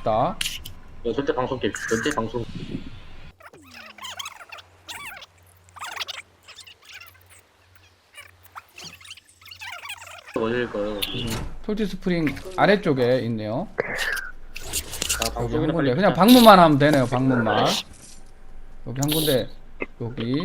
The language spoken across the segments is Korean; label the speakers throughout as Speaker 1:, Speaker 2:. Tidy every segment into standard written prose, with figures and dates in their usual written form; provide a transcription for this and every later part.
Speaker 1: 갑시다.
Speaker 2: 전체 방송 게임, 전체 방송. 어딜 거요?
Speaker 1: 솔티 스프링 아래쪽에 있네요.
Speaker 2: 아,
Speaker 1: 여기 한
Speaker 2: 방송이나
Speaker 1: 군데
Speaker 2: 빨리
Speaker 1: 그냥
Speaker 2: 끄자.
Speaker 1: 방문만 하면 되네요. 방문만. 여기 한 군데 여기.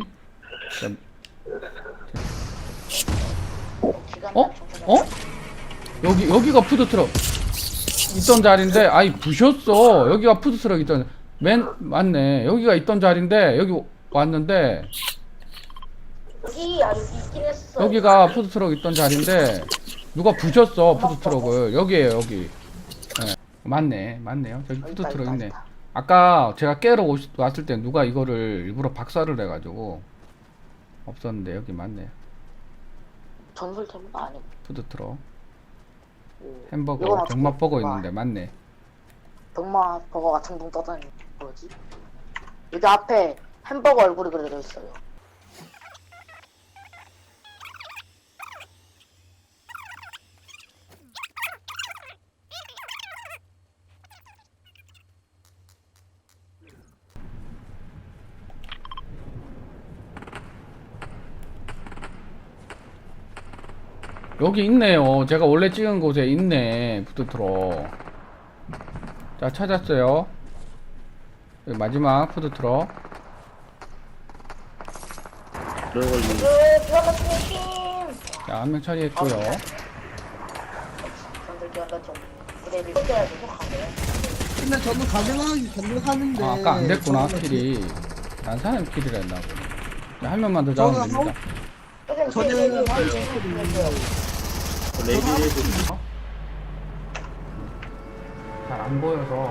Speaker 1: 어? 어? 여기가 푸드트럭 있던 자리인데 아이 부셨어. 여기가 푸드트럭 있던 맞네. 여기가 있던 자리인데 여기 왔는데
Speaker 3: 여기 있긴 했어.
Speaker 1: 여기가 푸드트럭 있던 자리인데 누가 부셨어 푸드트럭을. 여기에요 여기. 네. 맞네요. 저기 푸드트럭 있네. 아까 제가 깨러 왔을 때 누가 이거를 일부러 박살을 해가지고 없었는데 여기 맞네.
Speaker 3: 전설템도 아니고.
Speaker 1: 푸드트럭
Speaker 3: 이건
Speaker 1: 햄버거
Speaker 3: 어떻게
Speaker 1: 병맛버거
Speaker 3: 봐.
Speaker 1: 있는데 맞네.
Speaker 3: 병마 버거가 둥둥 떠다니는 거지. 여기 앞에 햄버거 얼굴이 그려져 있어요.
Speaker 1: 여기 있네요. 제가 원래 찍은 곳에 있네. 푸드트럭. 자, 찾았어요. 여기 마지막 푸드트럭.
Speaker 2: 그런 걸
Speaker 3: 드라마팀 팀!
Speaker 1: 자, 한 명 처리했고요.
Speaker 3: 전설 기한다 좀. 그래도 해야지 속하네.
Speaker 4: 근데 저는 가능하는데.
Speaker 1: 아, 아까 안 됐구나, 킬이. 난 사람 킬이라 했나 보네. 자, 한 명만 더 잡으면
Speaker 4: 저는
Speaker 1: 됩니다.
Speaker 4: 저는 한 했거든요.
Speaker 2: 레이디에도
Speaker 1: 잘 안 보여서.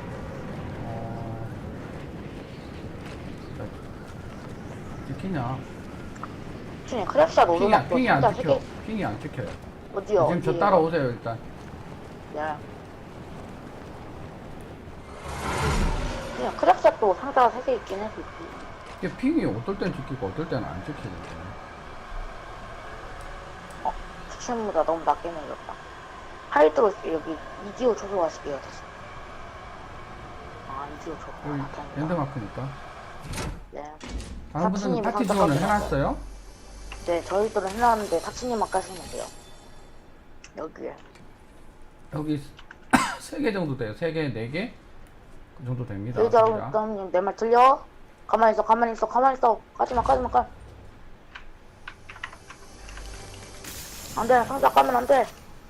Speaker 1: 찍히냐?
Speaker 3: 준이 크랩샷 오르막
Speaker 1: 핑이 안
Speaker 3: 진짜
Speaker 1: 찍혀.
Speaker 3: 세개
Speaker 1: 핑이 안 찍혀요.
Speaker 3: 어디요?
Speaker 1: 지금 저
Speaker 3: 어디요?
Speaker 1: 따라오세요, 일단.
Speaker 3: 야. 그냥 크랩샷도 상자가 3개 있긴 해서 있지.
Speaker 1: 이게 핑이 어떨 땐 찍히고 어떨 때는 안 찍히는데.
Speaker 3: 추천보다 너무 낮게 내렸다. 하이드로 여기 이디오 초소화시켜요 다시. 아 이디오 초소.
Speaker 1: 여기 랜드마크니까.
Speaker 3: 네.
Speaker 1: 다른 분들은
Speaker 3: 사치님
Speaker 1: 파티 지원을
Speaker 3: 선택하세요.
Speaker 1: 해놨어요?
Speaker 3: 네 저희들은 해놨는데 타치님만 까시면 돼요. 여기에.
Speaker 1: 여기 3개 정도 돼요. 3개, 4개? 그 정도 됩니다.
Speaker 3: 여기다님 내 말 들려? 가만히 있어 가만히 있어 가만히 있어. 까지마 안돼 상자 까면 안돼.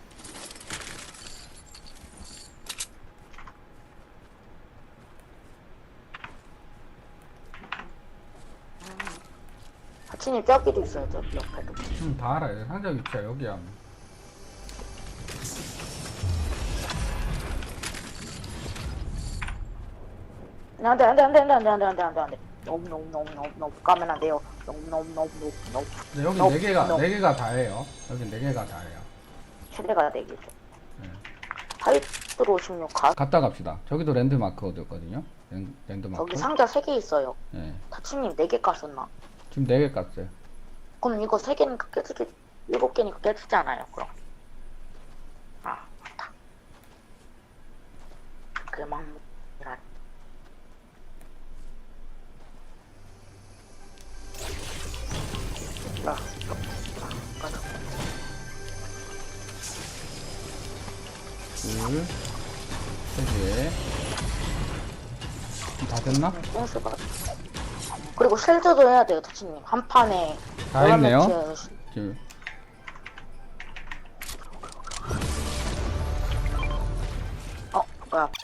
Speaker 3: 타치님 저기도 있어요 저기 옆에도.
Speaker 1: 다 알아요. 상자 위치야 여기야.
Speaker 3: 안돼. 너무 까면 안 돼요. 너무.
Speaker 1: 근데 여기
Speaker 3: 너,
Speaker 1: 4개가
Speaker 3: 너.
Speaker 1: 4개가 다예요. 여기 4개가 다예요.
Speaker 3: 최대가 4개죠.
Speaker 1: 네.
Speaker 3: 하이트로 16 가.
Speaker 1: 갔다 갑시다. 저기도 랜드마크거든요. 랜드마크.
Speaker 3: 저기 상자 3개 있어요.
Speaker 1: 네.
Speaker 3: 타치님 4개 깠었나?
Speaker 1: 지금 4개 깠어요.
Speaker 3: 그럼 이거 3개니까 깨지지. 7개니까 깨지지 않아요, 그럼. 아, 맞다. 그만, 이란. 가자.
Speaker 1: 둘, 3개. 다 됐나?
Speaker 3: 똥스가. 그리고 쉘드도 해야 돼요, 타치님. 한 판에.
Speaker 1: 다
Speaker 3: 여러
Speaker 1: 했네요.
Speaker 3: 매치에서
Speaker 1: 지금.
Speaker 3: 뭐야.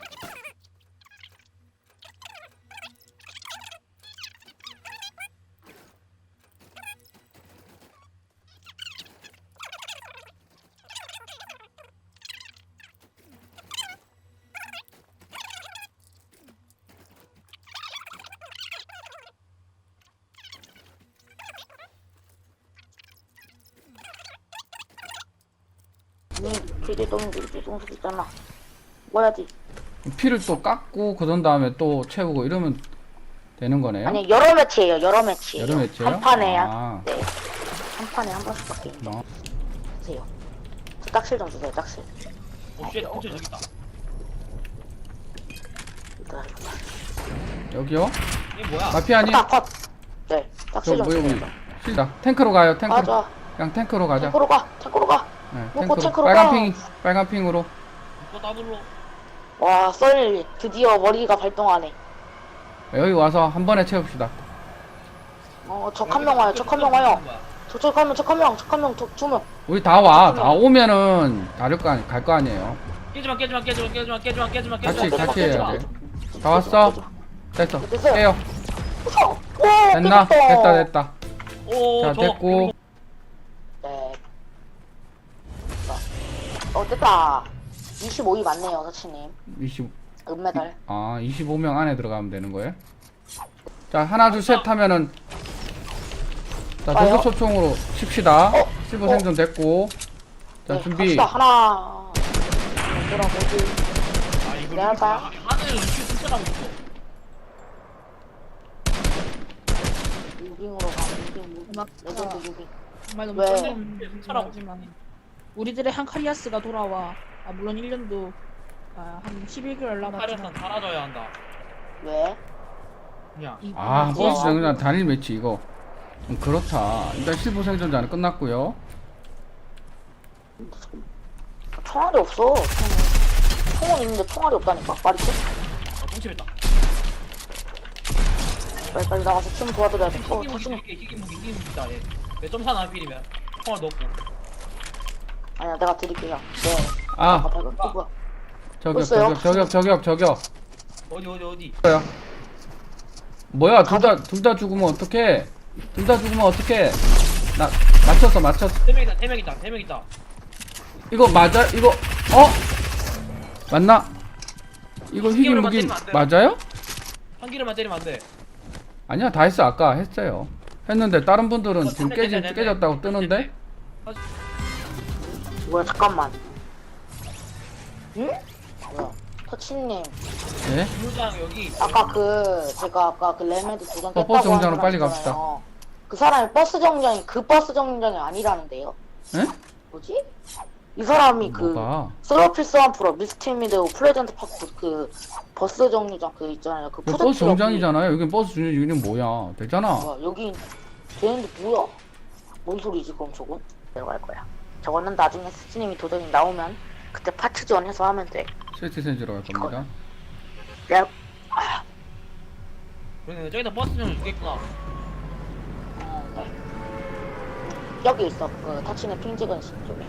Speaker 3: 길이 똥수 있잖아. 뭐야지?
Speaker 1: 피를 또 깎고 그런 다음에 또 채우고 이러면 되는 거네요?
Speaker 3: 아니 여러 매치예요. 여러 매치예요.
Speaker 1: 여러 매치예요?
Speaker 3: 한 판에
Speaker 1: 아.
Speaker 3: 네. 한 판에 한 번씩밖에 안
Speaker 1: 어.
Speaker 3: 주세요. 딱실 좀 주세요. 딱실.
Speaker 2: 쉣, 저기 있다.
Speaker 1: 여기요?
Speaker 5: 이게 뭐야?
Speaker 1: 마피아님?
Speaker 3: 컷. 네. 딱지
Speaker 1: 저
Speaker 3: 좀
Speaker 1: 뭐야
Speaker 3: 주세요.
Speaker 1: 실다 탱크로 가요 탱크로.
Speaker 3: 맞아.
Speaker 1: 그냥 탱크로 가자.
Speaker 3: 탱크로 가. 탱크로 가.
Speaker 1: 네,
Speaker 3: 놓고
Speaker 1: 탱크로.
Speaker 3: 탱크로
Speaker 1: 빨간
Speaker 3: 가.
Speaker 1: 핑 빨간 핑으로.
Speaker 5: 또 더블로.
Speaker 3: 와, 썰 드디어 머리가 발동하네.
Speaker 1: 여기 와서 한 번에 채웁시다.
Speaker 3: 적 한 명 와요. 적 한 명 와요. 적 한 명, 적 한 명, 적 한 명, 두 명.
Speaker 1: 우리 다 와. 다 오면은 다를 거 아니 갈 거 아니에요.
Speaker 5: 깨지마 깨지마 깨지마 깨지마 깨지마 깨지마
Speaker 1: 같이
Speaker 5: 깨지마.
Speaker 1: 같이 해야 돼. 다 왔어? 됐어.
Speaker 3: 됐어요.
Speaker 1: 깨요.
Speaker 3: 오,
Speaker 1: 됐나?
Speaker 3: 깨졌다.
Speaker 1: 됐다.
Speaker 5: 오,
Speaker 1: 자
Speaker 5: 저
Speaker 1: 됐고.
Speaker 3: 네. 됐다. 25위 맞네요, 사치님.
Speaker 1: 20.
Speaker 3: 은메달.
Speaker 1: 아 25명 안에 들어가면 되는 거예요? 자 하나 둘 셋 하면은 자
Speaker 3: 와요?
Speaker 1: 도구 소총으로 칩시다. 실버
Speaker 3: 어.
Speaker 1: 생존 됐고. 자
Speaker 3: 네,
Speaker 1: 준비.
Speaker 3: 갑시다. 하나. 뭐라 뭐지?
Speaker 5: 아 이거
Speaker 3: 내가 봐.
Speaker 5: 하늘 이렇게 훔쳐나고 있어.
Speaker 3: 무빙으로 가. 무빙. 레전드 무빙.
Speaker 6: 정말 너무
Speaker 3: 왜?
Speaker 6: 쩐하지만 우리들의 한 칼리아스가 돌아와. 물론 1년도 한 11개월
Speaker 5: 카리아스는
Speaker 6: 남았지만
Speaker 5: 사라져야 한다.
Speaker 3: 왜?
Speaker 5: 그냥.
Speaker 1: 아
Speaker 3: 뭐지?
Speaker 1: 버스 정류장 단일 매치 이거 좀 그렇다. 일단 실버 생존자는 끝났고요.
Speaker 3: 총알이 없어. 총은 있는데 총알이 없다니까. 말이지?
Speaker 5: 똥침했다.
Speaker 3: 빨리 나가서 팀 도와드려야 돼.
Speaker 5: 희귀무기
Speaker 3: 사치님.
Speaker 5: 이렇게 희귀무기다 얘. 매점 사나 필이면 총알 넣고.
Speaker 3: 아니야, 내가 드릴게요. 네.
Speaker 1: 아
Speaker 3: 발견. 뭐야?
Speaker 1: 저격
Speaker 3: 있어요?
Speaker 1: 저격.
Speaker 5: 어디.
Speaker 1: 뭐야? 뭐야 둘 다 죽으면 어떡해? 둘 다 죽으면 어떡해? 나 맞췄어.
Speaker 5: 세 명 있다.
Speaker 1: 이거 맞아? 이거 맞나? 이거 희귀 무기 맞아요?
Speaker 5: 한 기를만 때리면 안 돼.
Speaker 1: 아니야 다 했어 아까 했어요. 했는데 다른 분들은 지금
Speaker 5: 됐네.
Speaker 1: 깨졌다고 뜨는데?
Speaker 3: 뭐야, 잠깐만. 응? 뭐야? 터치님.
Speaker 1: 예?
Speaker 5: 물장 여기.
Speaker 3: 제가 아까 그 레메드 도전 깼다고
Speaker 1: 버스 정류장으로
Speaker 3: 하는
Speaker 1: 빨리
Speaker 3: 사람
Speaker 1: 갑시다.
Speaker 3: 있잖아요. 그 사람이 버스 정류장이 아니라는데요?
Speaker 1: 예?
Speaker 3: 뭐지? 이 사람이
Speaker 1: 뭐가?
Speaker 3: 솔로피스 한 프로, 미스티미드, 플레전트 파크 그 버스 정류장 그 있잖아요. 그
Speaker 1: 그
Speaker 3: 푸드
Speaker 1: 버스
Speaker 3: 트럭이.
Speaker 1: 정장이잖아요. 여긴 버스 정류장 여기는 뭐야? 되잖아.
Speaker 3: 뭐야, 여기 되는데 뭐야? 뭔 소리지 그럼 저건? 내려갈 거야. 저거는 나중에 스치님이 도전이 나오면 그때 파츠 지원해서 하면 돼.
Speaker 1: 세티센즈로 갈 겁니다.
Speaker 3: 내가
Speaker 5: 그러네 저기다 버스 좀 주겠구나.
Speaker 3: 네. 여기 있어. 그 타치네 핑 찍은 쪽에.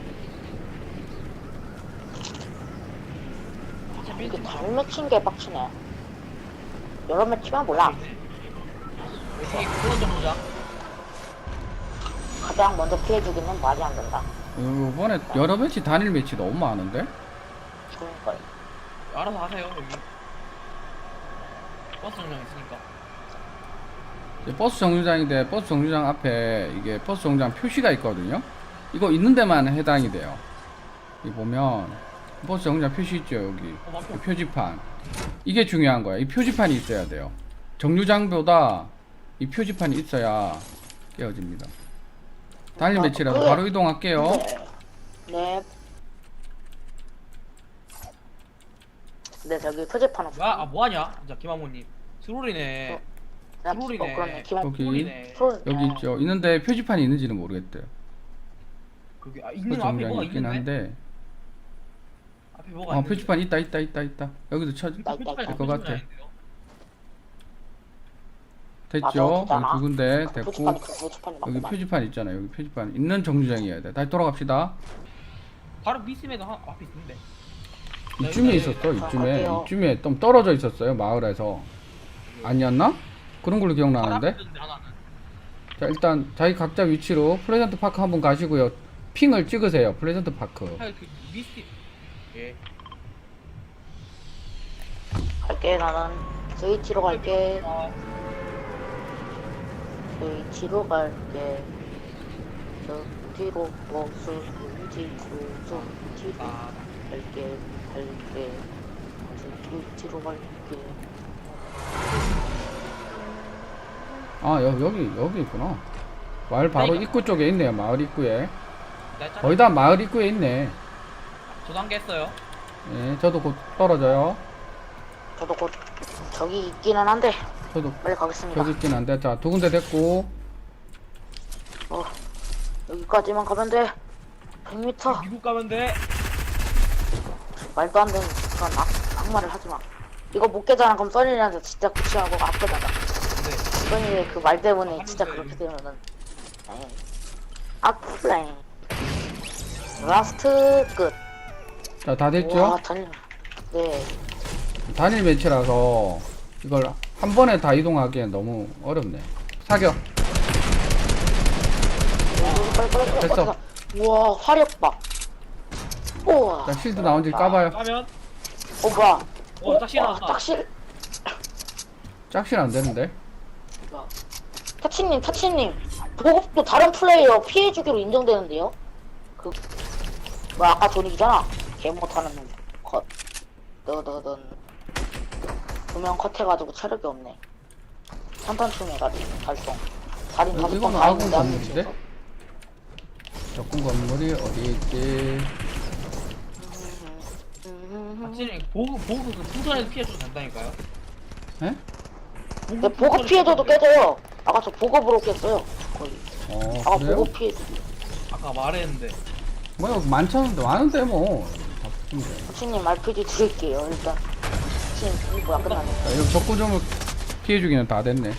Speaker 3: 이게 잘 맺힌 게 빡치네. 여러 맺히면 몰라.
Speaker 5: 여기 그런 정도자.
Speaker 3: 가장 먼저 피해주기는 말이 안 된다.
Speaker 1: 이번에 여러 매치 단일 매치 너무 많은데?
Speaker 3: 그러니까
Speaker 5: 알아서 하세요 여기. 버스 정장 있으니까.
Speaker 1: 이제 버스 정류장인데 버스 정류장 앞에 이게 버스 정류장 표시가 있거든요. 이거 있는 데만 해당이 돼요. 이 보면 버스 정류장 표시 있죠 여기.
Speaker 5: 맞죠?
Speaker 1: 이 표지판. 이게 중요한 거야. 이 표지판이 있어야 돼요. 정류장보다 이 표지판이 있어야 깨어집니다. 단일 매치라서 바로 이동할게요.
Speaker 3: 네. 네, 저기 표지판 없어.
Speaker 5: 뭐야? 뭐하냐? 진짜 김학모님. 트롤이네. 트롤이네.
Speaker 3: 그러네. 기만
Speaker 1: 여기
Speaker 5: 트롤이네.
Speaker 1: 여기 있죠. 있는데 표지판이 있는지는 모르겠대요.
Speaker 5: 그게
Speaker 1: 버스
Speaker 5: 있는 앞에
Speaker 1: 정류장이
Speaker 5: 뭐가
Speaker 1: 있긴
Speaker 5: 있는데?
Speaker 1: 한데.
Speaker 5: 앞에 뭐가 있는데?
Speaker 1: 표지판 있다. 여기도 쳐
Speaker 3: 있다.
Speaker 1: 될 것 같아.
Speaker 5: 아닌데요?
Speaker 1: 됐죠?
Speaker 3: 맞아,
Speaker 1: 여기 두 군데 됐고
Speaker 3: 표지판이
Speaker 1: 여기
Speaker 3: 맞구나.
Speaker 1: 표지판 있잖아요. 여기 표지판 있는 정류장이어야 돼. 다시 돌아갑시다.
Speaker 5: 바로 미스메가 앞에 있는데.
Speaker 1: 이쯤에 있었어.
Speaker 3: 갈게요.
Speaker 1: 이쯤에 좀 떨어져 있었어요. 마을에서 아니었나? 그런 걸로 기억나는데.
Speaker 5: 하나는.
Speaker 1: 자 일단 자기 각자 위치로 플레전트 파크 한번 가시고요. 핑을 찍으세요. 플레전트 파크.
Speaker 5: 그 미스티. 예.
Speaker 3: 갈게 나는 스위치로 갈게.
Speaker 5: 아,
Speaker 3: 스위치로 갈게. 저 뒤로 버스 뒤로
Speaker 5: 아,
Speaker 3: 갈게. 스위치로 갈게.
Speaker 1: 아 여기 있구나. 마을 바로 입구 쪽에 있네요. 마을 입구에.
Speaker 5: 나
Speaker 1: 거의 다 마을 입구에 있네.
Speaker 5: 저도 한 개 했어요.
Speaker 1: 예, 저도 곧 떨어져요.
Speaker 3: 저도 곧 저기 있기는 한데
Speaker 1: 저도
Speaker 3: 빨리 가겠습니다.
Speaker 1: 저기 있긴 한데. 자, 두 군데 됐고.
Speaker 3: 여기까지만 가면 돼. 100m.
Speaker 5: 미국 가면 돼.
Speaker 3: 말도 안 되는 그런 악말을 하지 마. 이거 못 깨잖아. 그럼 써니한테 진짜 구치하고 아프잖아.
Speaker 5: 네.
Speaker 3: 써니 그 말 때문에 진짜 그렇게 되면은 아프라잉. 라스트 끝.
Speaker 1: 자, 다 됐죠?
Speaker 3: 와, 달려. 네.
Speaker 1: 단일 매치라서 이걸 한 번에 다 이동하기엔 너무 어렵네. 사격.
Speaker 3: 빨리.
Speaker 1: 됐어.
Speaker 3: 우와, 화력 봐. 우와.
Speaker 1: 자, 실드 나온지 까봐요.
Speaker 5: 가면
Speaker 3: 뭐야.
Speaker 5: 짝실 나왔다.
Speaker 3: 짝실.
Speaker 1: 짝실 안 되는데.
Speaker 3: 타치님. 보급도 다른 플레이어 피해주기로 인정되는데요? 아까 존이잖아. 개 못하는 놈. 컷. 넌. 두명 컷해가지고 체력이 없네. 산탄충 해가지고 달성. 달인 다섯 번
Speaker 1: 이거는
Speaker 3: 다
Speaker 1: 아군
Speaker 3: 했는데 한
Speaker 1: 건물인데?
Speaker 3: 명씩.
Speaker 1: 적군 건물이 어디 있지?
Speaker 5: 확실히 보급 그 풍선에서 피해줘도 된다니까요.
Speaker 1: 에?
Speaker 3: 근데 보급 피해줘도 깨져요. 아까 저 보급으로 깼어요. 거의. 아까
Speaker 1: 그래요?
Speaker 3: 보급 피해.
Speaker 5: 아까 말했는데.
Speaker 1: 뭐야, 많잖은데, 많은데, 뭐. 다 붙으면 돼.
Speaker 3: 타치님 RPG 드릴게요. 일단. 타치님 뭐야 끝났네.
Speaker 1: 자, 이거 적군점을 피해주기는 다 됐네.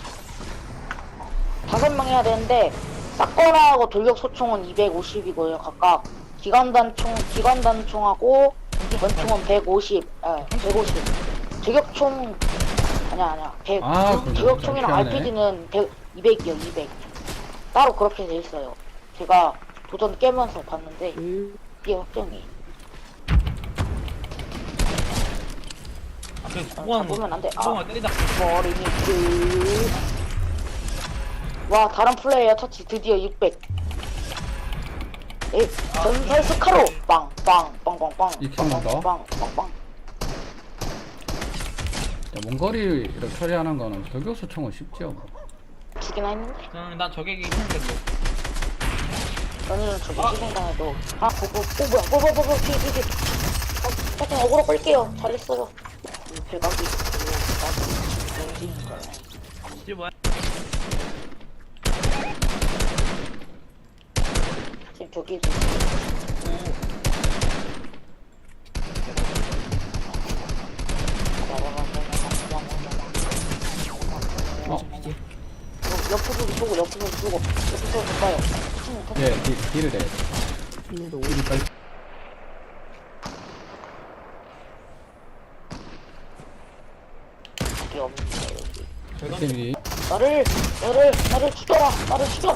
Speaker 3: 5명 해야 되는데 사건하고 돌격 소총은 250이고요. 각각 기관단총하고 권총은 150. 150. 저격총 아니야. 100.
Speaker 1: 그럼
Speaker 3: 저격총이랑
Speaker 1: 피하네.
Speaker 3: RPG는 200이요. 200. 따로 그렇게 돼 있어요. 제가 도전 깨면서 봤는데 이게 확정이.
Speaker 5: 그래서
Speaker 3: 보면 안 돼.
Speaker 5: 구멍을 때리다.
Speaker 3: 머리 밑을. 와, 다른 플레이어 터치 드디어 600. 전설 스카로 빵빵빵빵빵.
Speaker 1: 익혀만 더.
Speaker 3: 빵빵빵.
Speaker 1: 자, 먼 거리를 처리하는 거는 저격수총은 쉽지요. 뭐.
Speaker 3: 두기나 했는데.
Speaker 5: 난 저격이 힘들어.
Speaker 3: 너는 저기 시공당해도 보고 뭐야 뒤. 하여튼 어그로 끌게요. 잘했어요. 배각이 있고
Speaker 5: 이게 뭐야?
Speaker 3: 지금 저기 옆으로 쏘고 가요.
Speaker 1: 예, 딜을 해. 딜이 빨리.
Speaker 3: 이게 없는데 여기.
Speaker 1: 딜이.
Speaker 3: 나를 죽여라. 나를 죽여.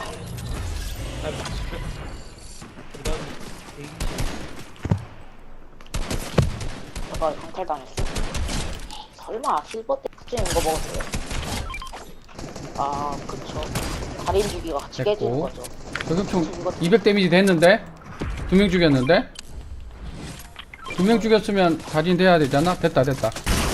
Speaker 3: 내가 강탈당했어. 설마 실버 때 특징 이거 먹었어요? 아, 그쵸. 달인 주기가 같이 깨지는
Speaker 1: 됐고.
Speaker 3: 거죠.
Speaker 1: 저격총 200 데미지 됐는데? 2명 죽였는데? 2명 죽였으면 달인 돼야 되잖아? 됐다.
Speaker 3: 죽여다.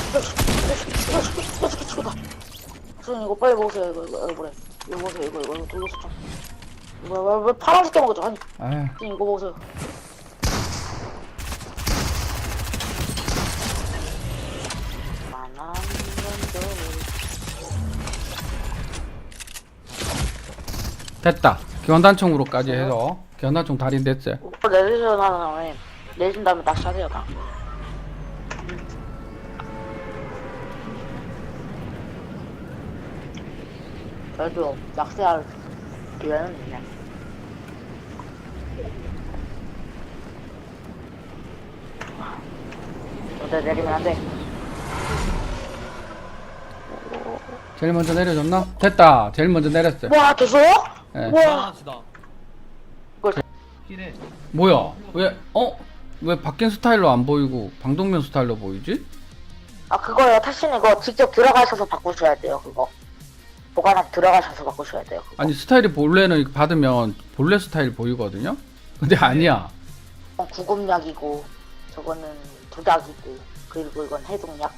Speaker 3: 선생님 이거 빨리 먹으세요. 이거 그래. 이거 먹으세요. 이거 돌려서 좀. 왜 파란색 게 먹었죠? 아니,
Speaker 1: 아휴.
Speaker 3: 선생님 이거 먹으세요. 만한
Speaker 1: 됐다. 기원단총으로까지 해서 기원단총 달인 됐어요.
Speaker 3: 오빠 내리셔 나는 내신 다음에 낚시하세요. 나. 그래도 낚시할 기회는 있네. 근데 내리면 안 돼.
Speaker 1: 제일 먼저 내려줬나? 됐다. 제일 먼저 내렸어요.
Speaker 3: 와, 됐어요?
Speaker 1: 예.
Speaker 3: 와,
Speaker 5: 하나치다.
Speaker 3: 이걸
Speaker 5: 피네.
Speaker 1: 뭐야? 왜 바뀐 스타일로 안 보이고 방독면 스타일로 보이지?
Speaker 3: 그거요. 타신 이거 직접 들어가셔서 바꾸셔야 돼요. 그거 보관함 들어가셔서 바꾸셔야 돼요. 그거.
Speaker 1: 아니, 스타일이 본래는 받으면 본래 스타일 보이거든요? 근데 아니야.
Speaker 3: 구급약이고 저거는 독약이고 그리고 이건 해독약.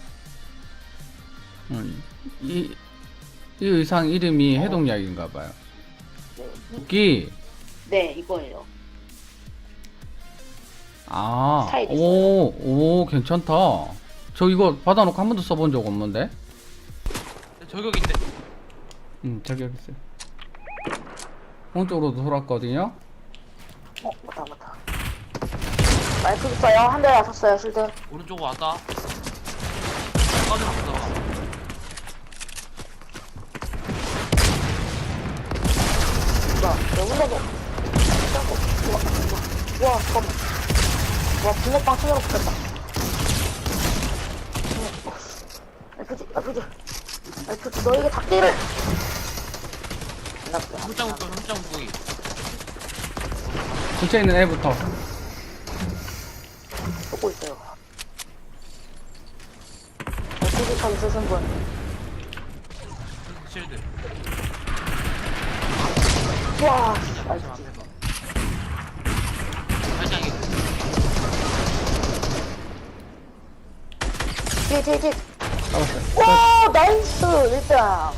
Speaker 1: 이 의상 이름이 해독약인가봐요. 도끼.
Speaker 3: 네, 이거예요.
Speaker 1: 아,
Speaker 3: 스타일이
Speaker 1: 오, 괜찮다. 저 이거 받아놓고 한 번도 써본 적 없는데.
Speaker 5: 저격인데.
Speaker 1: 저기 여기 있어요. 오른쪽으로도 돌았거든요.
Speaker 3: 맞다. 마이크 있어요. 한 대 맞았어요, 실드.
Speaker 5: 오른쪽으로 왔다. 빠져나갔다.
Speaker 3: 야, 내 혼자도. 우와, 잠깐만. 와, 붕어빵 손으로 붙였다. RPG, 너에게 닭띠를!
Speaker 5: 흠짱 부기.
Speaker 1: 근처에 있는 애부터.
Speaker 3: 쏘고 있어요. RPG 차 있으신 분.
Speaker 5: 실드.
Speaker 3: 우와,
Speaker 5: 발장이.
Speaker 3: 뒤에.
Speaker 1: 잡았어요.
Speaker 3: 와, 나이스! 1등!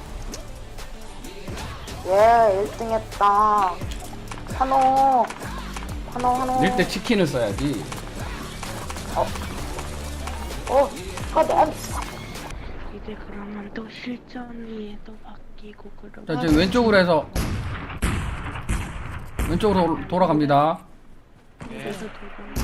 Speaker 3: 예, 1등 했다. 환호.
Speaker 1: 1대 치킨을 써야지.
Speaker 3: 난.
Speaker 7: 이제 그러면 또 실전이 또 바뀌고 그러고
Speaker 1: 자, 이제 왼쪽으로 해서 왼쪽으로 돌아갑니다.
Speaker 7: 그래서 도전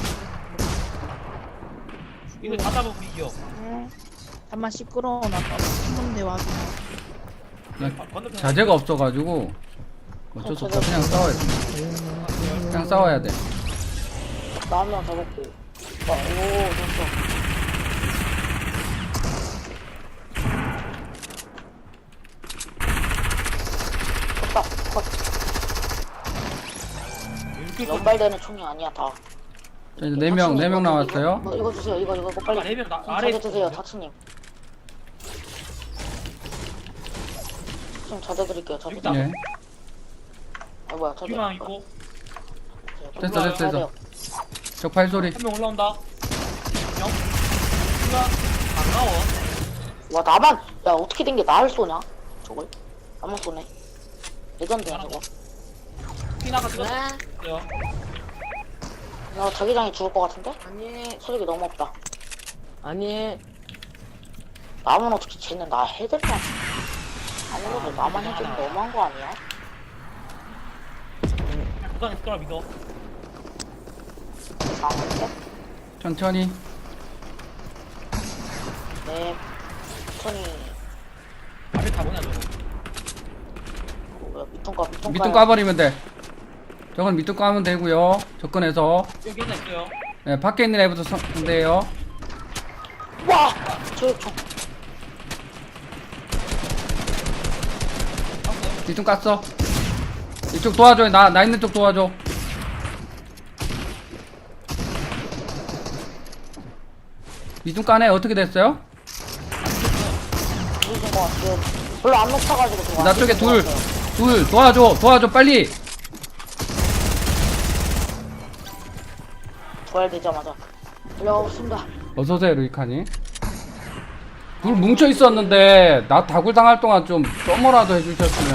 Speaker 5: 이거 다 잡으면 이겨.
Speaker 6: 잠만 시끄러워 나빠. 친구인데 와서.
Speaker 1: 그냥 자재가 없어가지고 어쩔 수 없어. 그냥 싸워야 돼. 그냥 싸워야 돼.
Speaker 3: 나 한 명 잡았고. 오, 됐어. 됐다, 컷. 연발되는 총이 아니야, 다.
Speaker 1: 자, 이제 4명 남았어요.
Speaker 3: 이거 주세요, 이거 빨리.
Speaker 5: 아, 4명
Speaker 3: 자제 드세요, 타치님. 지금 자제 드릴게요, 자제.
Speaker 5: 여기다.
Speaker 1: 예.
Speaker 3: 아, 뭐야, 자제.
Speaker 5: 뒤만 있고.
Speaker 1: 됐어. 적 발소리.
Speaker 5: 한 명 올라온다. 명. 누가 반가워.
Speaker 3: 와, 나만, 야, 어떻게 된 게 나를 쏘냐? 저걸? 나만 쏘네. 레전드야, 저거.
Speaker 5: 피나가 찍었어.
Speaker 3: 야, 자기장이 죽을 것 같은데?
Speaker 4: 아니,
Speaker 3: 체력이 너무 없다.
Speaker 4: 아니,
Speaker 3: 남은 어떻게 쟤는 나 해들만. 아무래도 나만 해주면 너무한 거 아니야?
Speaker 5: 구간에 스크라 믿어.
Speaker 3: 이상한데?
Speaker 1: 천천히.
Speaker 3: 네. 천천히.
Speaker 5: 앞에 다 보냐 저거.
Speaker 3: 뭐야, 밑통가.
Speaker 1: 밑둥 까버리면 돼. 저건 밑둥 까면 되고요. 접근해서.
Speaker 5: 여기 하나 있어요.
Speaker 1: 네, 밖에 있는 애부터 상대해요.
Speaker 3: 와! 저총.
Speaker 1: 밑둥 깠어. 이쪽 도와줘. 나 있는 쪽 도와줘. 밑둥 까네. 어떻게 됐어요?
Speaker 3: 죽으신 것 같아요. 별로 안 높아가지고 지금.
Speaker 1: 나
Speaker 3: 안
Speaker 1: 쪽에
Speaker 3: 죽은 것
Speaker 1: 둘
Speaker 3: 같아요.
Speaker 1: 도와줘 빨리.
Speaker 3: 부활되자마자. 달려가겠습니다.
Speaker 1: 어서오세요 루이카니. 둘 뭉쳐 있었는데 나 다굴 당할 동안 좀 써머라도 해주셨으면.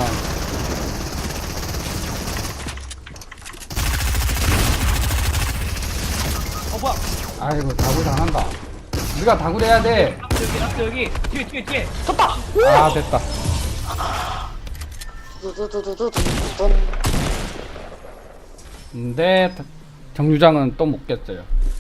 Speaker 5: 뭐야?
Speaker 1: 아이고 다굴 당한다. 우리가 다굴 해야 돼.
Speaker 5: 여기. 뒤에.
Speaker 3: 좋다!
Speaker 1: 아 됐다.
Speaker 3: 두두두두두두둔.
Speaker 1: 근데 정류장은 또 못 깼어요.